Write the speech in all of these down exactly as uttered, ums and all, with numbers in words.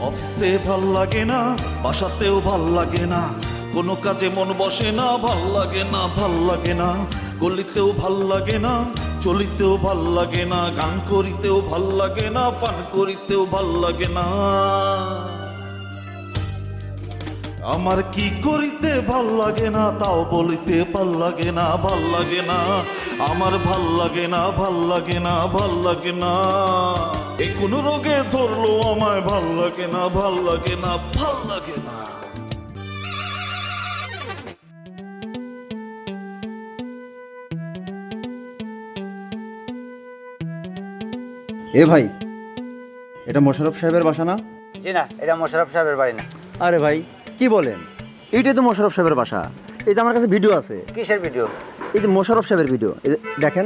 অফিসে ভাল লাগে না, বাসাতেও ভাল লাগে না, কোনো কাজে মন বসে না, ভাল লাগে না, ভাল লাগে না, গলিতেও ভাল লাগে না, চলিতেও ভাল লাগে না, গান করিতেও ভাল লাগে না, পান করিতেও ভাল লাগে না। আমার কি করিতে ভাল লাগে না তাও বলিতে ভাল লাগে না, ভাল লাগে না, আমার ভাল লাগে না, ভাল লাগে না, ভাল লাগে না। এ কোন রোগে ধরলো আমায়, ভাল লাগে না, ভাল লাগে না, ভাল লাগে না। এ ভাই, এটা মোশাররফ সাহেবের বাসা না? জি না, এটা মোশাররফ সাহেবের বাড়ি না। আরে ভাই কি বলেন, এইটাই তো মোশাররফ সাহেবের বাসা। এই যে আমার কাছে ভিডিও আছে। কিসের ভিডিও? এই যে মোশাররফ সাহেবের ভিডিও, এই যে দেখেন।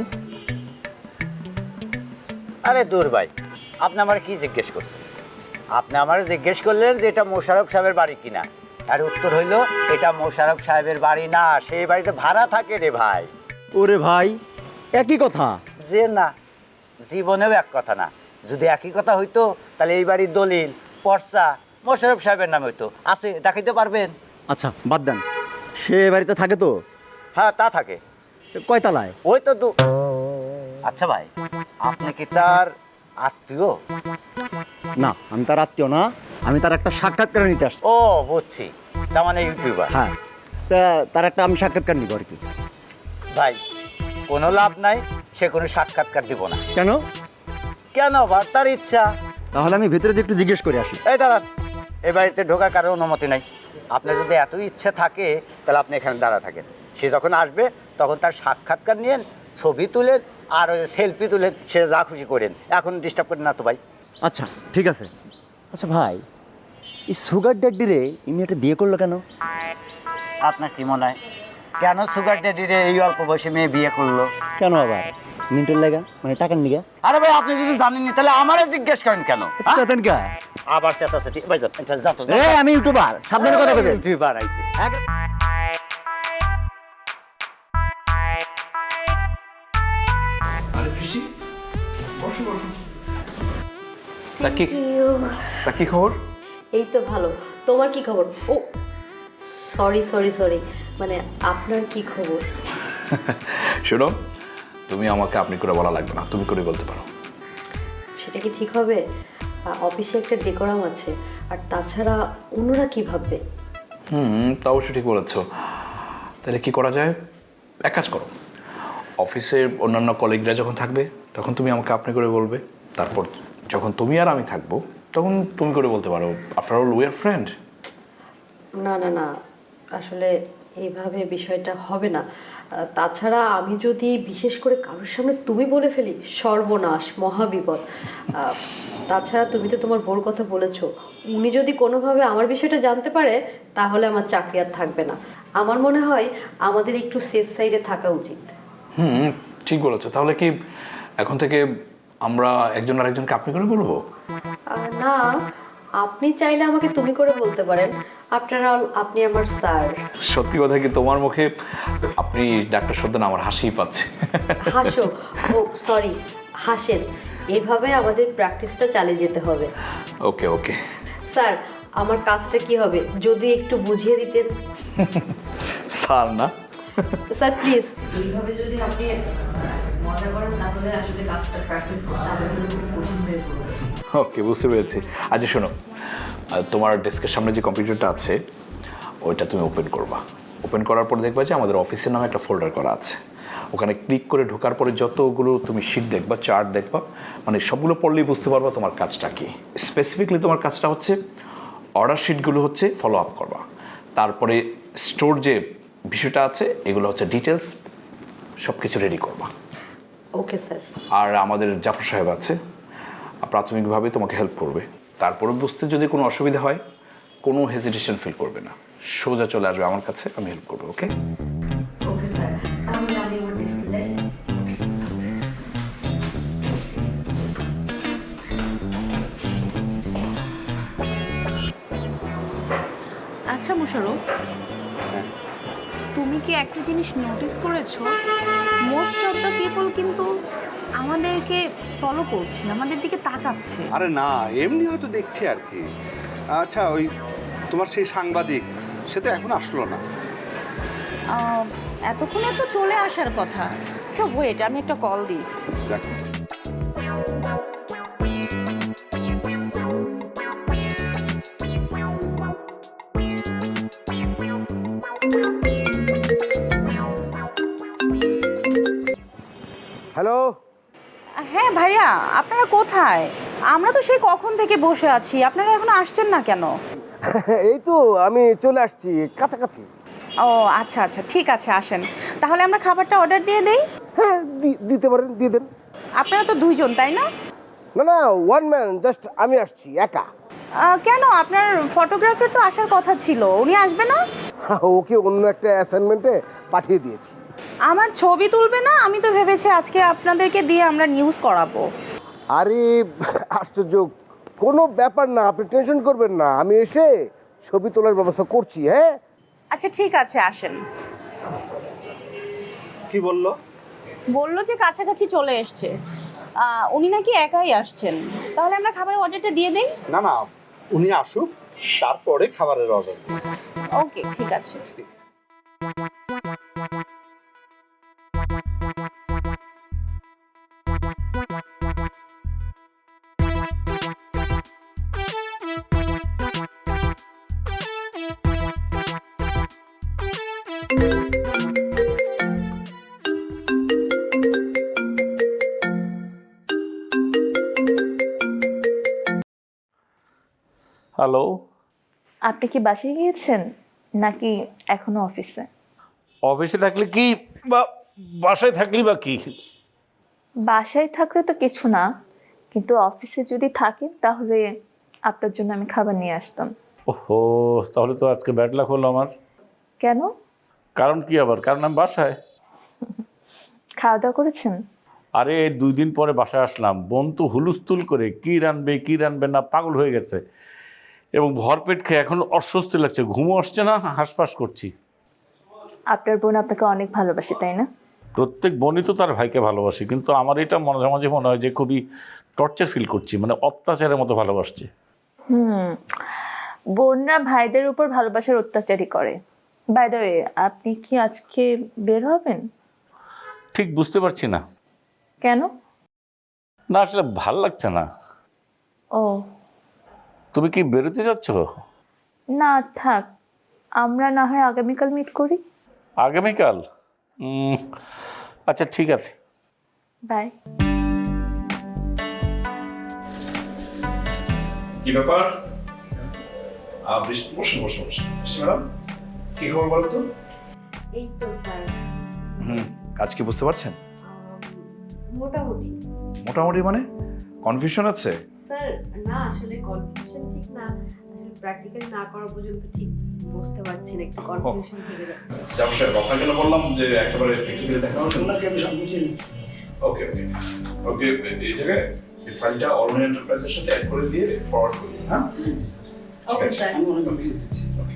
আরে দূর ভাই, আপনি আমার কি জিজ্ঞেস করছেন? আপনি আমার জিজ্ঞেস করলেন যে এটা মোশাররফ সাহেবের বাড়ি কিনা, আর উত্তর হইল এটা মোশাররফ সাহেবের বাড়ি না, সেই বাড়িতে ভাড়া থাকে রে ভাই। ওরে ভাই, একই কথা। যে না, জীবনেও এক কথা না। যদি একই কথা হইতো তাহলে এই বাড়ির দলিল পর্চা মোশাররফ সাহেবের নামে হইতো। আছে, দেখাইতে পারবেন? আচ্ছা বাদ দেন, সে এ বাড়িতে থাকে তো? হ্যাঁ, তা থাকে। কয়তালায়? ওই তো দু আচ্ছা ভাই, আপনি কি তার আত্মীয়? না, আমি তার আত্মীয় না, আমি তার একটা সাক্ষাৎকার নিতে আসছি। ও বুঝছি, তার মানে ইউটিউবার। হ্যাঁ, তা তার একটা আমি সাক্ষাৎকার নিব আর কি। ভাই, কোনো লাভ নাই, সে কোনো সাক্ষাৎকার দিব না। কেন? কেন আবার? তার ইচ্ছা। তাহলে আমি ভিতরে যে একটু জিজ্ঞেস করে আসি। এই দাঁড়ান, এই বাড়িতে ঢোকার কারো অনুমতি নাই। আপনার যদি এত ইচ্ছে থাকে তাহলে আপনি এখানে দাঁড়া থাকেন। সে যখন আসবে তখন তার সাক্ষাৎকার নিয়েন, ছবি তুলেন, আর ওই সেলফি তুলেন, সে যা খুশি করেন। এখন ডিস্টার্ব করেন না তো ভাই। আচ্ছা ঠিক আছে। আচ্ছা ভাই, এই সুগার ড্যাডি রে ইনি একটা বিয়ে করলো কেন? আপনার কি মনে হয় কেন সুগার ড্যাডিরে এই অল্প বয়সে মেয়ে বিয়ে করলো? কেন আবার? মিন্টুর লাগা, মানে টাকার নিগা? আরে ভাই, আপনি যদি জানেননি তাহলে আমারে জিজ্ঞেস করেন কেন? হ্যাঁ? চেতেন কা? আবার চেতাচেতি। ভাই যান, এটা যাতো, এ আমি ইউটিউবার, সাবধানে কথা বলবেন। ইউটিউবার আইছে। এক- আরে খুশি, বসো বসো। তা কি তা কি খবর? এই তো ভালো। তোমার কি খবর? ও সরি সরি সরি, মানে আপনার কি খবর? শোনো, তুমি আমাকে আপনি করে বলা লাগবে না, তুমি করে বলতে পারো। সেটা কি ঠিক হবে? আ, অফিসে একটা ডেকোরাম আছে, আর তাছাড়া অন্যরা কি ভাববে? হুম, তা অবশ্যই ঠিক বলেছো। তাহলে কি করা যায়? এক কাজ করো, অফিসের অন্যান্য কলিগরা যখন থাকবে তখন তুমি আমাকে আপনি করে বলবে, তারপর যখন তুমি আর আমি থাকবো তখন তুমি করে বলতে পারো। After all we are friend. না না না, আসলে এইভাবে বিষয়টা হবে না। আ, তাছাড়া আমি যদি বিশেষ করে কারোর সামনে তুমি বলে ফেলি, সর্বনাশ, মহাবিপদ। আ, তাছাড়া তুমি তো তোমার বোর কথা বলেছো, উনি যদি কোনোভাবে আমার বিষয়টা জানতে পারে তাহলে আমার চাকরি আর থাকবে না। আমার মনে হয় আমাদের একটু সেফ সাইডে থাকা উচিত। হুম, ঠিক বলেছো। তাহলে কি এখন থেকে আমরা একজন আরেকজনকে আপনি করে বলবো? আহ, না, আপনি চাইলে আমাকে তুমি করে বলতে পারেন। আফটার অল আপনি আমার স্যার। সত্যি কথা কি, তোমার মুখে আপনি ডাক্তার শব্দ না আমার হাসিই পাচ্ছে। হাসো, ও সরি, হাসেন। এভাবে আমাদের প্র্যাকটিসটা চালিয়ে যেতে হবে। ওকে ওকে। স্যার, আমার কাজটা কি হবে যদি একটু বুঝিয়ে দিতেন? স্যার না, স্যার প্লিজ, এইভাবে যদি আপনি মজা করেন তাহলে আসলে কাজটা প্র্যাকটিস করতে আমার জন্য খুব কঠিন হয়ে পড়বে। ওকে, বুঝতে পেরেছি। আচ্ছা শোনো, আহ, তোমার ডেস্কের সামনে যে কম্পিউটারটা আছে ওইটা তুমি ওপেন করবা। ওপেন করার পর দেখবা যে আমাদের অফিসের নামে একটা ফোল্ডার করা আছে। ওখানে ক্লিক করে ঢোকার পরে যতগুলো তুমি শিট দেখবা, চার্ট দেখবা, মানে সবগুলো পড়লেই বুঝতে পারবা তোমার কাজটা কি। স্পেসিফিকলি তোমার কাজটা হচ্ছে অর্ডার শিটগুলো হচ্ছে ফলো আপ করবা, তারপরে স্টোর যে বিষয়টা আছে এগুলো হচ্ছে ডিটেলস, সব কিছু রেডি করবা। Okay sir. আর আমাদের জাফর সাহেব আছে, প্রাথমিকভাবে তোমাকে হেল্প করবে। তারপরে বুঝতে যদি কোনো অসুবিধা হয় কোনো হেজিটেশন ফিল করবে না, সোজা চলে আসবে আমার কাছে, আমি হেল্প করবো। ওকে ওকে স্যার, তাহলে আমি আমার ডেস্কে যাই। আচ্ছা মোশাররফ, তুমি কি একটা জিনিস নোটিস করেছো? মোস্ট অফ দ্য পিপল কিন্তু আমাদেরকে ফলো করছে, আমাদের দিকে তাকাচ্ছে। আরে না, এমনি হয়তো দেখছি আর কি। আচ্ছা, ওই তোমার সেই সাংবাদিক সে তো এখন আসলো না। আহ, এতক্ষণে তো চলে আসার কথা। আচ্ছা ওয়েট, আমি একটা কল দিই। দেখো হ্যালো। হ্যাঁ ভাইয়া, আপনারা কোথায়? আমরা তো সেই কখন থেকে বসে আছি, আপনারা এখনো আসছেন না কেন? এই তো আমি চলে আসছি কাছাকাছি। ও আচ্ছা আচ্ছা, ঠিক আছে আসেন। তাহলে আমরা খাবারটা অর্ডার দিয়ে দেই। হ্যাঁ দি- দিতে পারেন, দিয়ে দেন। আপনারা তো দুইজন তাই না? না না, ওয়ান ম্যান, জাস্ট আমি আসছি একা। আহ, কেন, আপনার ফটোগ্রাফার তো আসার কথা ছিল, উনি আসবে না? ওকে অন্য একটা অ্যাসাইনমেন্টে পাঠিয়ে দিয়েছি। আমার ছবি তুলবে না? আমি তো ভেবেছি আজকে আপনাদেরকে দিয়ে আমরা নিউজ করাবো। আরে আশ্চর্য, কোনো ব্যাপার না, আপনি টেনশন করবেন না, আমি এসে ছবি তোলার ব্যবস্থা করছি। হ্যাঁ আচ্ছা ঠিক আছে, আসেন। কি বললো? বললো যে কাছাকাছি চলে এসছে। আহ, উনি নাকি একাই আসছেন। তাহলে আমরা খাবারের অর্ডারটা দিয়ে দিই। না না, উনি আসুক তারপরে খাবারের অর্ডার। ওকে ঠিক আছে। হ্যালো। আপনি কি বাসায় গিয়েছেন নাকি এখনো অফিসে? অফিসে থাকলে কি বা বাসায় থাকলি বা কি? বাসায় থাকলে তো কিছু না, কিন্তু অফিসে যদি থাকেন তাহলে আপনার জন্য আমি খাবার নিয়ে আসতাম। ওহো, তাহলে তো আজকে ব্যাড লাক হলো আমার। কেন? কারণ কি আবার? কারণ আমি বাসায়। খাওয়া দাওয়া করেছেন? আরে দুই দিন পরে বাসায় আসলাম, বোন তো হুলুস্থুল করে কি রানবে কি রানবে না পাগল হয়ে গেছে, এবং ভরপেট খেয়ে এখন অস্বস্তি লাগছে, ঘুমও আসছে না, হাঁসফাঁস করছি। আপনার বোন আপনাকে অনেক ভালোবাসে তাই না? প্রত্যেক বোনই তো তার ভাইকে ভালোবাসে, কিন্তু আমার এটা মাঝে মাঝে মনে হয় যে খুবই টর্চার ফিল করছি, মানে অত্যাচারের মতো ভালোবাসছে। হুম, বোনরা ভাইদের উপর ভালোবাসার অত্যাচারই করে। বাই দ্য ওয়ে, আপনি কি আজকে বের হবেন? ঠিক বুঝতে পারছি না। কেন? না আসলে ভাল লাগছে না। ও তুমি কি বেরোতে যাচ্ছ? না থাক, আমরা না হয় আগামীকাল মিট করি। আগামীকাল? উম, আচ্ছা ঠিক আছে। বাই। কি ব্যাপার? বসুন বসুন বসুন ম্যাডাম, কি খবর বলো তো? এই তো স্যার, হুম, কাজ কি বুঝতে পারছেন? মোটামুটি। মোটামুটি মানে কনফিউশন আছে? স্যার না, আসলে কনফিউশন ঠিক না, আসলে প্র্যাকটিক্যাল না করা পর্যন্ত ঠিক বুঝতে পারছি না, একটু কনফিউশন থেকে যাচ্ছে। যাবো স্যার, আপনাকে না বললাম যে একেবারে প্র্যাকটিক্যালি দেখা হবে। ওনাকে আমি সব বুঝিয়ে দিচ্ছি। ওকে ওকে ওকে, এই জায়গায় এই ফাইলটা অরুণ এন্টারপ্রাইজের সাথে অ্যাড করে দিয়ে ফরওয়ার্ড করে দিন। হ্যাঁ ওকে স্যার। আমি ওনাকে বুঝিয়ে দিচ্ছি। ওকে।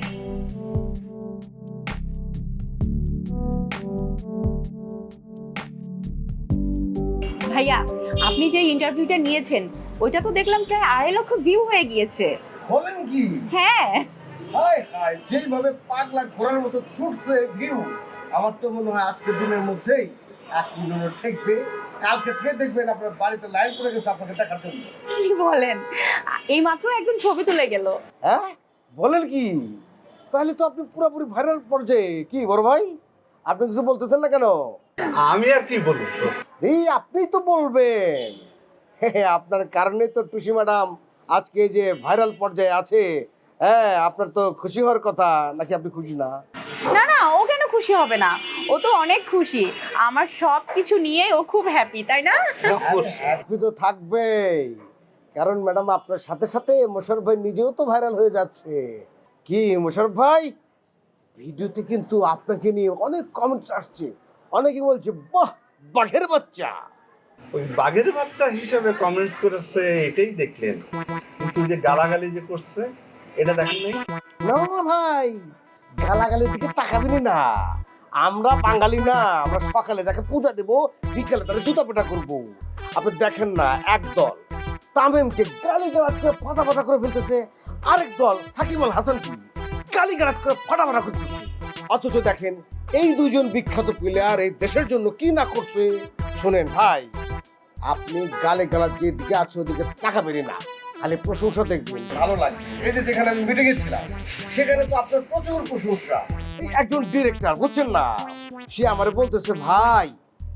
ভাইয়া, আপনি যে ইন্টারভিউটা নিয়েছেন ওইটা তো দেখলাম প্রায় আড়াই লক্ষ ভিউ হয়ে গিয়েছে। বলেন কি? হ্যাঁ। হায় হায়, যেইভাবে পাগলা ঘোড়ার মতো ছুটছে ভিউ, আমার তো মনে হয় আজকের দিনের মধ্যেই এক মিলিয়ন ঠেকবে। কালকে থেকে দেখবেন আপনার বাড়িতে লাইন পড়ে গেছে আপনাকে দেখার জন্য। কি বলেন? এই মাত্র একজন ছবি তুলে গেল। হ্যাঁ বলেন কি? তাহলে তো আপনি পুরোপুরি ভাইরাল পর্যায়ে। কি বড় ভাই, আপনি কিছু বলতেছেন না কেন? আমি আর কি বলবো? এই আপনি তো বলবেন। আপনার কারণে তো টুসি ম্যাডাম আজকে যে ভাইরাল পর্যায়ে আছে। হ্যাঁ, আপনার তো খুশি হওয়ার কথা, নাকি আপনি খুশি না? না না, ও কেন খুশি হবে না? ও তো অনেক খুশি, আমার সব কিছু নিয়ে ও খুব হ্যাপি, তাই না? হ্যাপি তো থাকবেই, কারণ ম্যাডাম আপনার সাথে সাথে মোশাররফ ভাই নিজেও তো ভাইরাল হয়ে যাচ্ছে। কি মোশাররফ ভাই, ভিডিওতে কিন্তু আপনাকে নিয়ে অনেক কমেন্টস আসছে, অনেকে বলছে বাহ বাঘের বাচ্চা। ওই বাঘের বাচ্চা হিসেবে কমেন্টস করেছে এটাই দেখলেন, কিন্তু যে গালাগালি যে করছে এটা দেখেন নাই? না না ভাই, গালাগালির দিকে তাকাবেনি না। আমরা বাঙালি না, আমরা সকালে তাকে পূজা দেবো, বিকেলে তাকে জুতা পেটা করবো। আপনি দেখেন না, একদল তামিমকে গালি গালাজ করে ফাটা ফাটা করে ফেলতেছে, আরেক দল সাকিব আল হাসানকে গালি গালাজ করে ফাটা ফাটা করতেছে। অথচ দেখেন এই দুজন বিখ্যাত প্লেয়ার এই দেশের জন্য কি না করছে। শোনেন ভাই, আপনি গালে গালাজ যেদিকে আছে ওদিকে তাকাবেনই না, খালি প্রশংসা দেখবেন, ভালো লাগে। এই যে যেখানে আমি মিটিংয়ে ছিলাম সেখানে তো আপনার প্রচুর প্রশংসা। এই একজন ডিরেক্টর বুঝছেন না, সে আমারে বলতেছে ভাই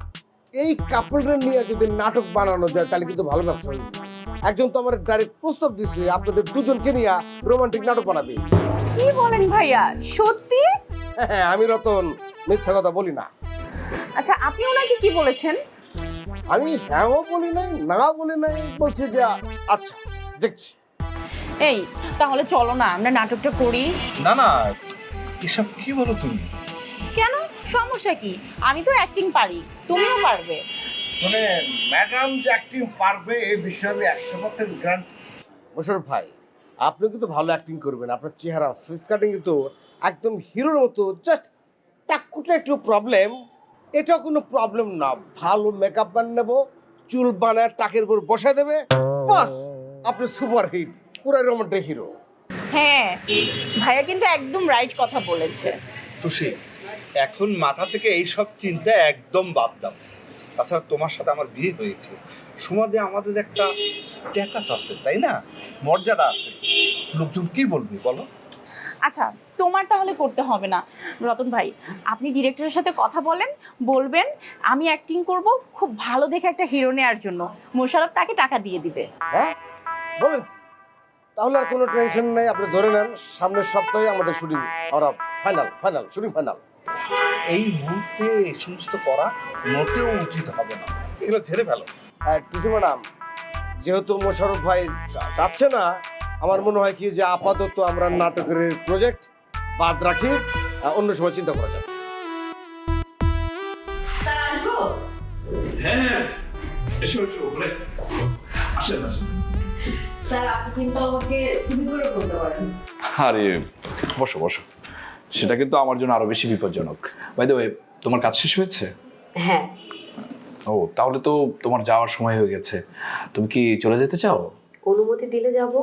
এই কাপড়ের নিয়ে যদি নাটক বানানো যায় তাহলে কিন্তু ভালো ব্যবসা হবে। একজন তো আমার ডাইরেক্ট প্রস্তাব দিচ্ছে আপনাদের দুজনকে নিয়ে রোমান্টিক নাটক বানাবে। কি বলেন ভাইয়া, সত্যি? হ্যাঁ, আমি রতন মিথ্যা কথা বলি না। আচ্ছা, আপনি ওনাকে কি বলেছেন? আমি হ্যাঁও বলি নাই না বলি নাই, বলছি যে আচ্ছা দেখছি। এই তাহলে চলো না আমরা নাটকটা করি। না না, এসব কি বলো তুমি? কেন, সমস্যা কি? আমি তো অ্যাক্টিং পারি, তুমিও পারবে। শোনেন ম্যাডাম যে অ্যাক্টিং পারবে এই বিষয়ে আমি একশো পার্সেন্ট গ্যারান্টি। মোশাররফ ভাই, আপনি কিন্তু ভালো অ্যাক্টিং করবেন, আপনার চেহারা ফেস কাটিং কিন্তু একদম হিরোর মতো। জাস্ট টাকুটা একটু প্রবলেম, এটা কোনো প্রবলেম না। ভালো মেকআপ বানিয়ে নেবো, চুল বানায় টাকের উপর বসে দেবে, বাস আপনি সুপার হিট, পুরো রোমান্টিক হিরো। হ্যাঁ, ভাইয়া কিন্তু একদম রাইট কথা বলেছে। তুষি, এখন মাথা থেকে এইসব চিন্তা একদম বাদ দাও। তাছাড়া তোমার সাথে আমার বিয়ে হয়েছে, সমাজে আমাদের একটা স্ট্যাটাস আছে, তাই না? মর্যাদা আছে। লোকজন কি বলবে বলো? আচ্ছা, তোমার তাহলে করতে হবে না রতন ভাই, আপনি ডিরেক্টরের সাথে কথা বলেন, বলবেন আমি অ্যাক্টিং করব, খুব ভালো দেখে একটা হিরো নেওয়ার জন্য মোশাররফ তাকে টাকা দিয়ে দিবে। হ্যাঁ বলেন, তাহলে আর কোনো টেনশন নেই। আপনি ধরে নেন সামনের সপ্তাহে আমাদের শুটিং, আমরা ফাইনাল ফাইনাল শুটিং ফাইনাল। এই মুহূর্তে এই সমস্ত করা মোটেও উচিত হবে না, এগুলো ঝেড়ে ফেলো। টুসি ম্যাডাম, যেহেতু মোশাররফ ভাই চা- চাচ্ছে না, আমার মনে হয় কি যে আপাতত আমরা নাটকের প্রজেক্ট বাদ রাখি, আহ, অন্য সময় চিন্তা করা যাবে। হ্যাঁ এসো এসো বলে আসেন আসেন। স্যার আপনি কিন্তু আমাকে তুমি করে বলতে পারেন। আরে বসো বসো, সেটা কিন্তু আমার জন্য আরো বেশি বিপজ্জনক। বাই দ্য ওয়ে, তোমার কাজ শেষ হয়েছে? হ্যাঁ। ও তাহলে তো তোমার যাওয়ার সময় হয়ে গেছে, তুমি কি চলে যেতে চাও? অনুমতি দিলে যাব।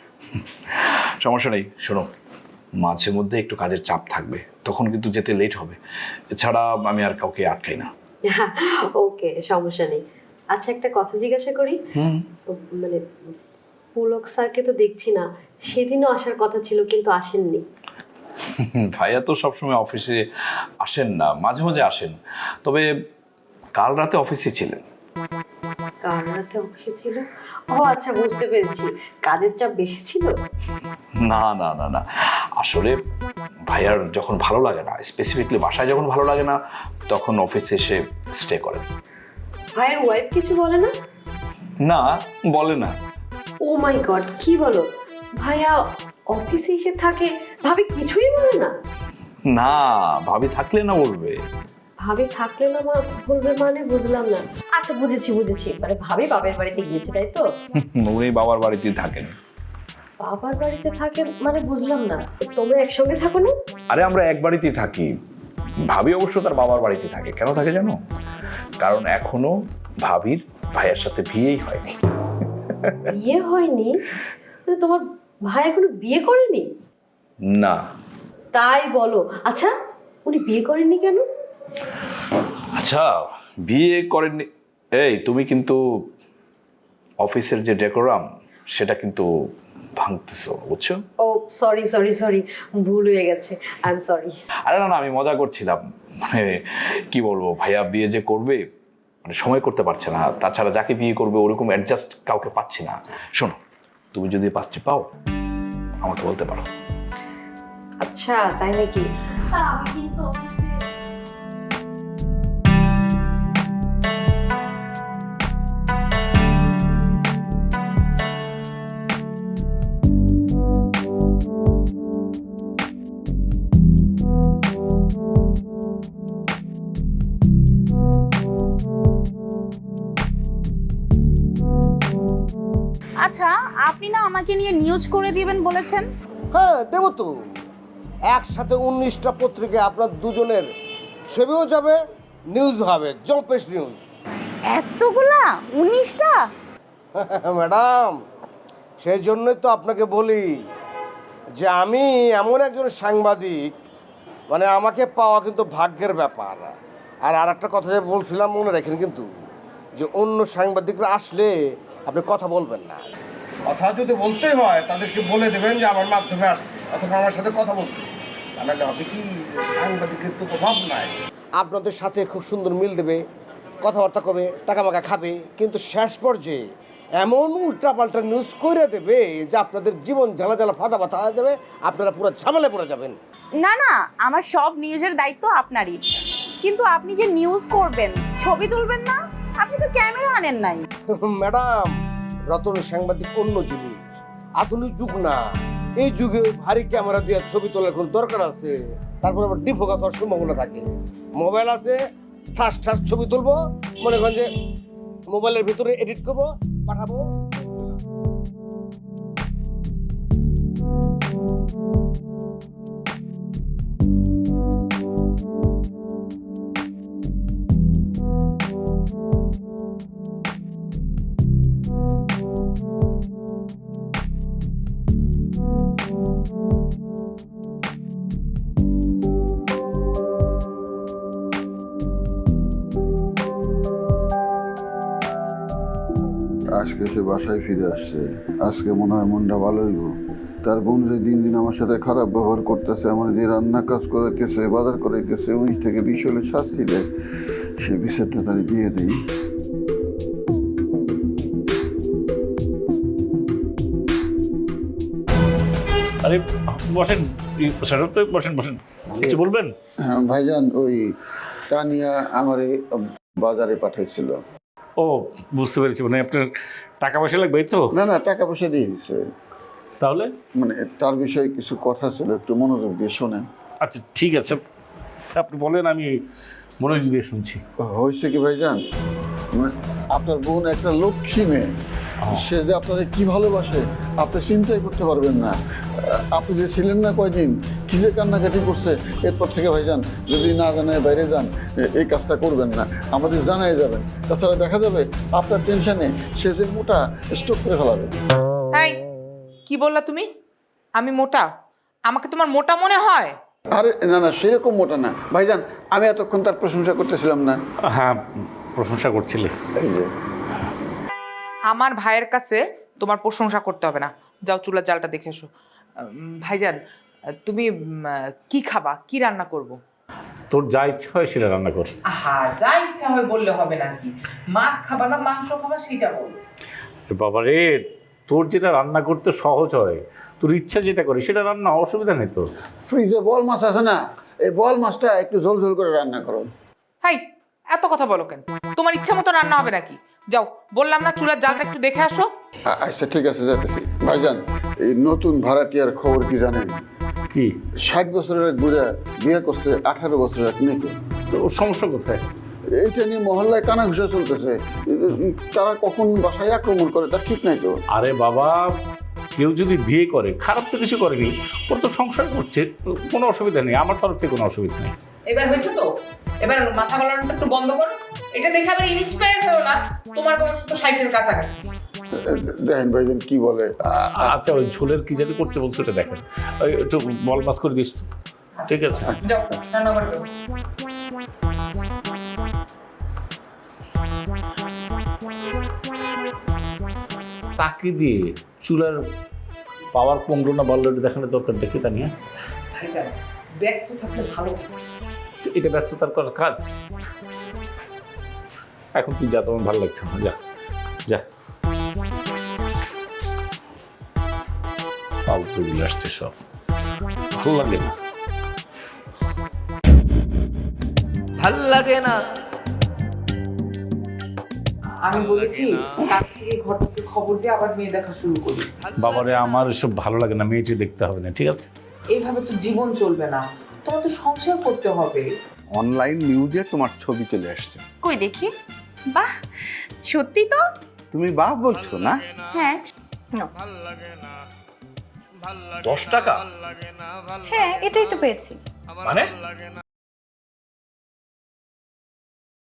সমস্যা নেই, শোনো মাঝে মধ্যে একটু কাজের চাপ থাকবে, তখন কিন্তু যেতে লেট হবে। এছাড়া আমি আর কাউকে আটকাই না। ওকে, সমস্যা নেই। আচ্ছা, একটা কথা জিজ্ঞাসা করি, হুম মানে পুলক স্যারকে তো দেখছি না, সেদিনও আসার কথা ছিল কিন্তু আসেননি। ভাইয়া তো সবসময় অফিসে আসেন না, মাঝে মাঝে আসেন, তবে কাল রাতে অফিসে ছিলেন। কাল রাতে অফিসে ছিল? ও আচ্ছা, বুঝতে পেরেছি, কাজের চাপ বেশি ছিল। না না না না, আসলে ভাইয়ার যখন ভালো লাগে না, স্পেসিফিকলি বাসায় যখন ভালো লাগে না, তখন অফিসে এসে স্টে করেন। ভাইয়ের ওয়াইফ কিছু বলে না? না, বলে না। ও মাই গড, কি বলো? ভাইয়া অফিসে এসে থাকে, ভাবি কিছুই বলে না? না, ভাবি থাকলে না বলবে। ভাবি থাকলে না মা বলবে মানে বুঝলাম না। আচ্ছা বুঝেছি বুঝেছি, মানে ভাবি বাবার বাড়িতে গিয়েছে তাই তো? উনি বাবার বাড়িতেই থাকেন। বাবার বাড়িতে থাকে মানে বুঝলাম না, তোমরা একসঙ্গে থাকো না? আরে আমরা এক বাড়িতেই থাকি। ভাবি অবশ্য তার বাবার বাড়িতে থাকে। কেন থাকে জানো? কারণ এখনো ভাবির ভাইয়ের সাথে বিয়েই হয়নি। বিয়ে হয়নি? মানে তোমার ভাই এখনো বিয়ে করেনি? না। তাই বলো? আচ্ছা, উনি বিয়ে করেননি কেন? আচ্ছা, বিয়ে করেননি। এই তুমি কিন্তু অফিসের যে ডেকোরাম সেটা কিন্তু ভাঙতেছো, বুঝছো? ও সরি সরি সরি, ভুল হয়ে গেছে, আই এম সরি। আরে না না, আমি মজা করছিলাম। মানে কি বলবো, ভাইয়া বিয়ে যে করবে মানে সময় করতে পারছে না, তাছাড়া যাকে বিয়ে করবে ওরকম অ্যাডজাস্ট কাউকে পাচ্ছি না। শোনো, তুমি যদি পাত্রী পাও আমাকে বলতে পারো। আচ্ছা তাই নাকি? স্যার আমি কিন্তু অফিসে আচ্ছা, আপনি না আমাকে নিয়ে নিউজ করে দিবেন বলেছেন? হ্যাঁ দেবো তো, একসাথে উনিশটা পত্রিকায় আপনার দুজনের ছবিও যাবে, নিউজ হবে, জম্পেশ নিউজ। এতগুলা? উনিশটা? ম্যাডাম সেই জন্যই তো আপনাকে বলি যে আমি এমন একজন সাংবাদিক, মানে আমাকে পাওয়া কিন্তু ভাগ্যের ব্যাপার। আর আর একটা কথা যে বলছিলাম মনে রাখেন কিন্তু, যে অন্য সাংবাদিকরা আসলে আপনি কথা বলবেন না। কথা যদি বলতে হয় তাদেরকে বলে দেবেন যে আমার মাধ্যমে আসতে অথবা আমার সাথে কথা বলতে, তাহলে হবে কি সাংবাদিকের তো প্রভাব নাই, আপনাদের সাথে খুব সুন্দর মিল দেবে, কথাবার্তা কবে, টাকা মাকা খাবে, কিন্তু শেষ পর্যায়ে এমন উল্টাপাল্টা নিউজ করে দেবে যে আপনাদের জীবন জ্বালা জ্বালা ফাঁদা ফাতা হয়ে যাবে, আপনারা পুরো ঝামেলায় পড়ে যাবেন। না না, আমার সব নিউজের দায়িত্ব আপনারই, কিন্তু আপনি যে নিউজ করবেন, ছবি তুলবেন না, আপনি তো ক্যামেরা আনেন নাই। ম্যাডাম, রতন সাংবাদিক অন্য জিনিস, আধুনিক যুগ না, এই যুগে ভারী ক্যামেরা দিয়ে ছবি তোলার কোনো দরকার আছে? তারপর আবার ডিফোকাস হওয়ার সম্ভাবনা থাকে। মোবাইল আছে, ঠাস ঠাস ছবি তুলবো, মনে করেন যে মোবাইলের ভিতরে এডিট করবো, পাঠাবো। আজকে সে বাসায় ফিরে আসছে, আজকে মনে হয় মনটা ভালো হইব। তার বোন যে দিন দিন আমার সাথে খারাপ ব্যবহার করতেছে, আমার যে রান্না কাজ করাইতেছে, বাজার করাইতেছে, উনিশ থেকে বিশ হলে শাস্তি দেয়, সেই বিচারটা তারা দিয়ে দিই। আরে বসেন স্যার, তো বসেন বসেন, কিছু বলবেন? হ্যাঁ ভাইজান, ওই তানিয়া আমারে বাজারে পাঠাইছিল। ও বুঝতে পেরেছি, মানে আপনার টাকা পয়সা লাগবে এই তো? না না, টাকা পয়সা দিয়ে দিচ্ছে। তাহলে মানে তার বিষয়ে কিছু কথা ছিল, একটু মনোযোগ দিয়ে শোনেন। আচ্ছা ঠিক আছে, আপনি বলেন, আমি মনোযোগ দিয়ে শুনছি। হয়েছে কি ভাইজান, মানে আপনার বোন একটা লক্ষ্মী মেয়ে, সে যে আপনারা কি ভালোবাসে আপনি চিন্তাই করতে পারবেন না। আপনি যে ছিলেন না কয়দিন, কি যে কান্নাকাটি করছে, এরপর থেকে ভাইজান যদি না জানায় বাইরে যান, এই কাজটা করবেন না, আমাদের জানাই যাবেন, তাছাড়া দেখা যাবে আপনার টেনশনে সে যে মোটা স্টক করে ফেলাবে। হ্যাঁ, কি বললা তুমি? আমি মোটা? আমাকে তোমার মোটা মনে হয়? আরে না না, সেরকম মোটা না ভাইজান, আমি এতক্ষণ তার প্রশংসা করতেছিলাম না? হ্যাঁ, প্রশংসা করছিলে। এই যে আমার ভাইয়ের কাছে তোমার প্রশংসা করতে হবে না, যাও চুলার জালটা দেখে এসো। উম, ভাইজান, তুমি উম, কি খাবা, কি রান্না করব? তোর যা ইচ্ছা হয় সেটা রান্না কর। হ্যাঁ, যা ইচ্ছা হয় বললে হবে নাকি? মাছ খাবা না মাংস খাবা সেটা বল। বাবা রে, তোর যেটা রান্না করতে সহজ হয়, তোর ইচ্ছা যেটা করে সেটা রান্না, অসুবিধা নেই তো। ফ্রিজে বল মাছ আছে না, এই বল মাছটা একটু ঝোল ঝোল করে রান্না করো। হাই, এত কথা বলো কেন? তোমার ইচ্ছা মতো রান্না হবে নাকি? যাও, বললাম না চুলার জালটা একটু দেখে আসো। আ- আচ্ছা ঠিক আছে, যাইতেছি। ভাইজান, এই নতুন ভাড়াটিয়ার খবর কি জানেন? কি? ষাট বছরের এক বুড়া বিয়ে করছে আঠারো বছরের এক মেয়েকে। তো ওর সমস্যা কোথায়? এইটা নিয়ে মহল্লায় কানাঘুষা চলতেছে, তারা কখন বাসায় আক্রমণ করে তার ঠিক নাই তো। আরে বাবা, কেউ যদি বিয়ে করে, খারাপ তো কিছু করেনি, ওর তো সংসার করছে, কোনো অসুবিধা নেই, আমার তরফ থেকে কোনো অসুবিধা নেই। এবার হয়েছে তো, এবার মাথা গলানোটা একটু বন্ধ করো। এটা দেখে আবার ইন্সপায়ার হয়েও না, তোমার বয়স তো ষাটের কাছাকাছি। দেখেন ভাইজান কি বলে। আ- আচ্ছা, ওই ঝোলের কি জানি করতে বলছো, ওটা দেখেন, ওই একটু বল মাছ করে দিস তো। ঠিক আছে, যাও রান্না করে দাও। তাকে দিয়ে চুলার পাওয়ার কমলো না বললো, এটা দেখানোর দরকার, দেখি তা নিয়ে। ভাইজান, ব্যস্ত থাকলে ভালো। এটা ব্যস্ততার করার কাজ? এখন তুই যা, তোমার ভালো লাগছে না, যা যা। ফালতু গুলো আসছে সব, ভালো লাগে না। ভাল লাগে না। আমি বলি কি, তার থেকে ঘটককে খবর দিয়ে আবার মেয়ে দেখা শুরু করি। বাবারে, আমার এসব ভালো লাগে না, মেয়েটি দেখতে হবে না, ঠিক আছে? এইভাবে তো জীবন চলবে না, তোমার তো সংসার করতে হবে। অনলাইন নিউজে তোমার ছবি চলে আসছে। কই দেখি। বাহ, সত্যি তো? তুমি বাহ বলছো না? হ্যাঁ। দশ টাকা? হ্যাঁ, এটাই তো পেয়েছি। মানে